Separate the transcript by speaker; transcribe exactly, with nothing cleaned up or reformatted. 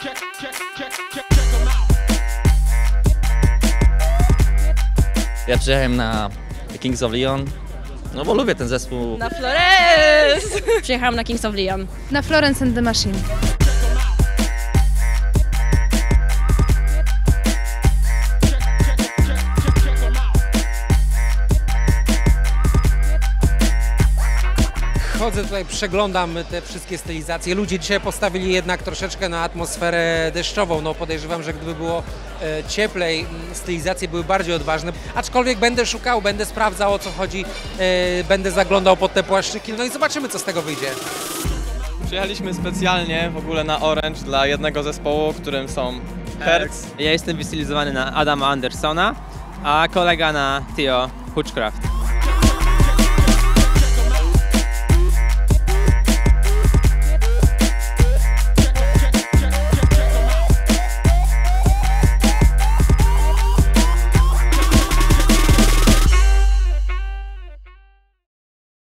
Speaker 1: Ja przyjechałem na Kings of Leon, no bo lubię ten zespół.
Speaker 2: Na Florence! Przyjechałam na Kings of Leon.
Speaker 3: Na Florence and the Machine.
Speaker 4: Chodzę tutaj, przeglądam te wszystkie stylizacje. Ludzie dzisiaj postawili jednak troszeczkę na atmosferę deszczową. No podejrzewam, że gdyby było e, cieplej, stylizacje były bardziej odważne. Aczkolwiek będę szukał, będę sprawdzał, o co chodzi, e, będę zaglądał pod te płaszczyki, no i zobaczymy, co z tego wyjdzie.
Speaker 5: Przyjechaliśmy specjalnie w ogóle na Orange dla jednego zespołu, którym są Hertz.
Speaker 6: Ja jestem wystylizowany na Adama Andersona, a kolega na Theo Hutchcraft.